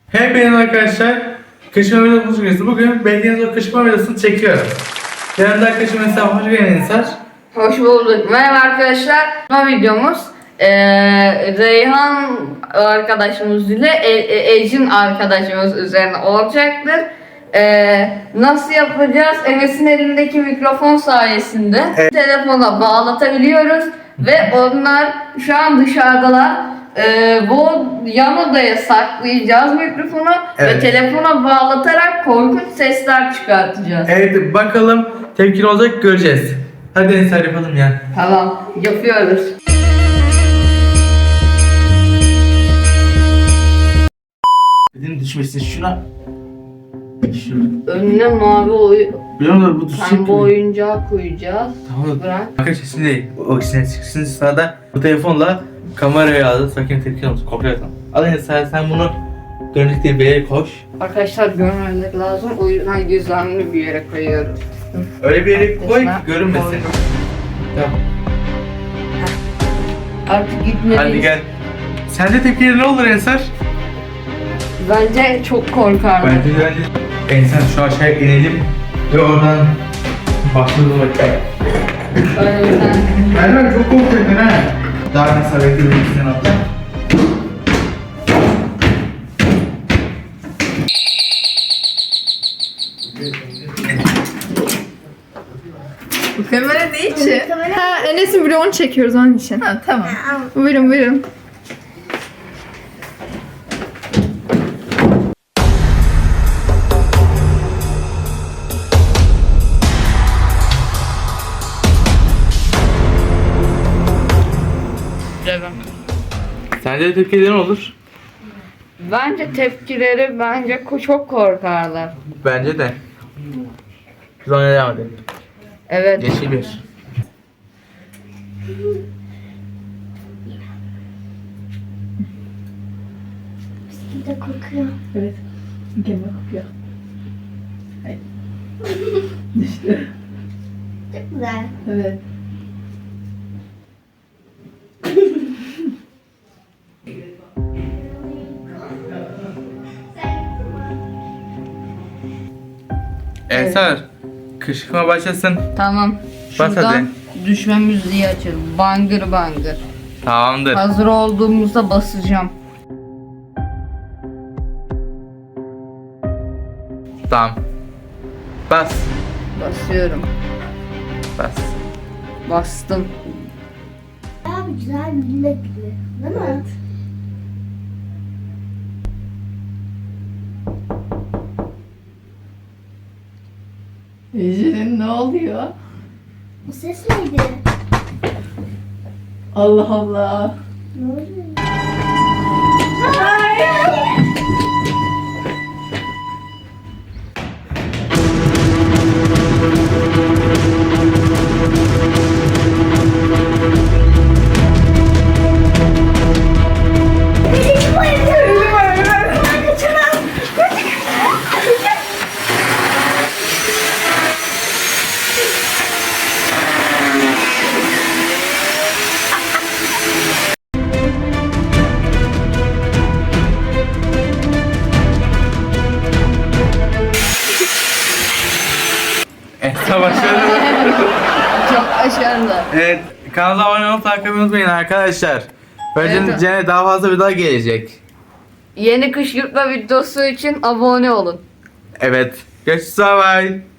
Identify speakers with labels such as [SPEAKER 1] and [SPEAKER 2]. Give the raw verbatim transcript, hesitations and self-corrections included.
[SPEAKER 1] Hepinize arkadaşlar, kışkırtma videosu hoş geldiniz. Bugün beklediğiniz o kışkırtma videosunu çekiyorum. Yanımda arkadaşım mesela hoş geldin Ensar.
[SPEAKER 2] Hoş bulduk. Merhaba arkadaşlar. Bu videomuz eee Reyhan arkadaşımız ile e, e, Ecin arkadaşımız üzerine olacaktır. Eee, nasıl yapacağız? Enes'in elindeki mikrofon sayesinde
[SPEAKER 1] Evet.
[SPEAKER 2] telefona bağlatabiliyoruz ve onlar şu an dışarıdalar. Eee, bu yan odaya saklayacağız mikrofonu
[SPEAKER 1] Evet.
[SPEAKER 2] ve telefona bağlatarak korkunç sesler çıkartacağız.
[SPEAKER 1] Evet, bakalım tepkili olacak, göreceğiz. Hadi Ensar yapalım ya.
[SPEAKER 2] Tamam, yapıyoruz.
[SPEAKER 1] Dedim düşmesin şuna. Şuna.
[SPEAKER 2] Önüne mavi oy
[SPEAKER 1] Biliyor musun bu düşecek
[SPEAKER 2] pembe
[SPEAKER 1] gibi.
[SPEAKER 2] oyuncağı koyacağız.
[SPEAKER 1] Tamam.
[SPEAKER 2] Bırak.
[SPEAKER 1] Arkadaşlar şimdi o ikisine çıksın sırada bu telefonla kameraya aldı. Sakin tepkili olsun. Kopya atalım. Al Ensar, sen bunu dönük diye bir yere koş.
[SPEAKER 2] Arkadaşlar görmemek lazım. O yüzden gizemli bir yere koyuyoruz.
[SPEAKER 1] Öyle bir yere koy ki
[SPEAKER 2] Arkadaşlar,
[SPEAKER 1] görünmesin.
[SPEAKER 2] koydum.
[SPEAKER 1] Tamam.
[SPEAKER 2] Artık gitmeliyiz.
[SPEAKER 1] Hadi gel. Sence tepkileri ne olur Ensar?
[SPEAKER 2] Bence çok korkarlar.
[SPEAKER 1] Bence bence Ensar şu aşağıya inelim ve oradan başlayalım bakayım.
[SPEAKER 2] Öyle bir tane.
[SPEAKER 1] Merhaba, çok korkuyorsun ha. Daha mesela bekliyorum sen atla.
[SPEAKER 3] Bu kamera değil ki. Ha, Enes'in vlogunu çekiyoruz onun için. Ha, tamam. Buyurun buyurun.
[SPEAKER 1] Sence tepkileri ne olur?
[SPEAKER 2] Bence tepkileri bence ko- çok korkarlar.
[SPEAKER 1] Bence de. Sonra devam edelim.
[SPEAKER 2] Evet.
[SPEAKER 1] Yeşil bir.
[SPEAKER 4] Bir de kokuyor.
[SPEAKER 3] Evet. Mükemmel kokuyor. Hayır. Düştü.
[SPEAKER 4] Çok güzel.
[SPEAKER 3] Evet.
[SPEAKER 1] Ensar, kışkırtma başlasın.
[SPEAKER 2] Tamam.
[SPEAKER 1] Bas
[SPEAKER 2] Şuradan düşme müziği açalım. Bangır bangır.
[SPEAKER 1] Tamamdır.
[SPEAKER 2] Hazır olduğumuzda basacağım.
[SPEAKER 1] Tamam. Bas.
[SPEAKER 2] Basıyorum.
[SPEAKER 1] Bas.
[SPEAKER 2] Bastım.
[SPEAKER 4] Bayağı bir güzel bir millet gibi. Değil mi?
[SPEAKER 3] Ece'nin ne oluyor?
[SPEAKER 4] Bu ses neydi?
[SPEAKER 3] Allah Allah.
[SPEAKER 4] Ne oluyor?
[SPEAKER 1] Ensar başladı.
[SPEAKER 2] Çok başarılı.
[SPEAKER 1] Evet, kanala abone olup takip etmeyi unutmayın arkadaşlar. Böylece
[SPEAKER 2] Evet.
[SPEAKER 1] Cene daha fazla video gelecek.
[SPEAKER 2] Yeni kışkırtma videosu için abone olun.
[SPEAKER 1] Evet. Görüşürüz. Bye bye.